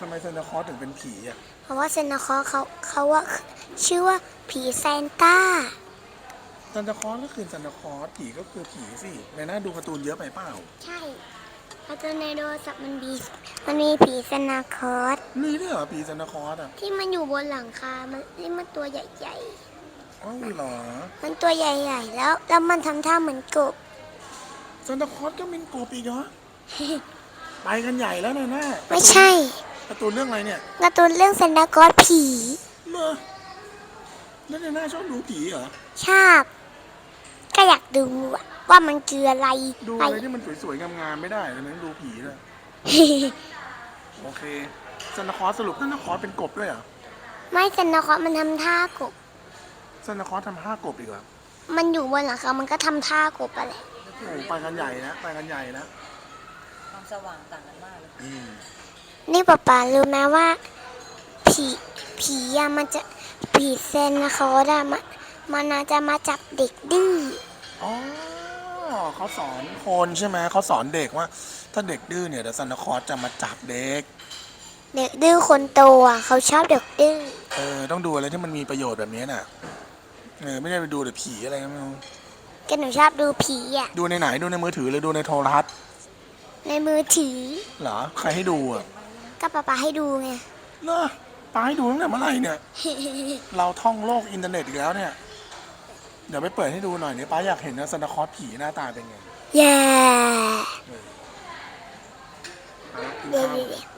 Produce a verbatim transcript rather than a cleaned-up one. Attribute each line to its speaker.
Speaker 1: ทำไมซานตาคลอสถึงเป็นผีอ่ะ
Speaker 2: เพราะว่าซานตาคลอสเขาเขาว่าชื่อว่าผีซานต้า
Speaker 1: ซานตาคลอสก็คือซานตาคลอสผีก็คือผีสิในหน้าดูการ์ตูนเยอะไปเปล่า
Speaker 2: ใช่เพราะตัวในโทรศัพท์มันมีมันมีผีซานตาคลอส
Speaker 1: มีด้วยเหรอผีซานตาคลอสอ่ะ
Speaker 2: ที่มันอยู่บนหลังคา มันที่มันตัวใหญ่
Speaker 1: อ้าวเหรอ
Speaker 2: ๆมันตัวใหญ่ๆแล้วแล้วมันทำท่าเหมือนกบ
Speaker 1: ซานตาคลอสก็เป็นกบอีกเหรอ ไปกันใหญ่แล้วนะน่า
Speaker 2: ไม่ใช่
Speaker 1: การ์ตูนเรื่องอะไรเนี่ย
Speaker 2: การ์ตูนเรื่องซานตาคลอสผี
Speaker 1: เลอแล้วในหน้าชอบดูผีเหรอ
Speaker 2: ชอบก็อยากดูอะว่ามันคืออะไร
Speaker 1: ดู
Speaker 2: ไป
Speaker 1: อะไรที่มันสวยๆงามๆไม่ได้ทำไมต้องดูผีเลยโอเคซานตาคลอสสรุปซานตาคลอสเป็นกบด้วยเหรอ
Speaker 2: ไม่ซานตาคลอสมันทำท่ากบ
Speaker 1: ซานตาคลอสทำห้ากบอีกเหรอ
Speaker 2: มันอยู่บนหลังคา มันก็ทำท่ากบอะไร
Speaker 1: โอ้ไปกันใหญ่นะไปกันใหญ่นะ
Speaker 3: ความสว่างต่างกันมากเลย
Speaker 1: อืม
Speaker 2: นี่ป๊าป๊ารู้ไหมว่าผีผีอะมันจะผีเซนนะเขาอะมันมันน่าจะมาจับเด็กดื้อ
Speaker 1: อ๋อเขาสอนคนใช่ไหมเขาสอนเด็กว่า ถ้าเด็กดื้อเนี่ยเดี๋ยวซานตาคลอสจะมาจับเด็ก
Speaker 2: เด็กดื้อคนโตอะเขาชอบเด็กดื้อ
Speaker 1: เออต้องดูอะไรที่มันมีประโยชน์แบบนี้น่ะเออไม่ได้ไปดูแต่ผีอะไรไม่รู้
Speaker 2: ก็หนูชอบดูผีอะ
Speaker 1: ดูในไหนดูในมือถือหรือดูในโทรทัศน์
Speaker 2: ในมือถือ
Speaker 1: เหรอใครให้ดูอ่ะ
Speaker 2: ก็ป๊าป๊าให้ดูไง
Speaker 1: เหรอป้าให้ดูตั้งแต่เมื่อไหร่เนี่ย เราท่องโลกอินเทอร์เน็ตอีกแล้วเนี่ยเดี๋ยวไปเปิดให้ดูหน่อยเนี่ยป้าอยากเห็นนะซานตาคลอสผีหน้าตาเป็นไง
Speaker 2: แย่
Speaker 1: เออป้ากิน
Speaker 2: เดี๋ยว
Speaker 1: ข้าว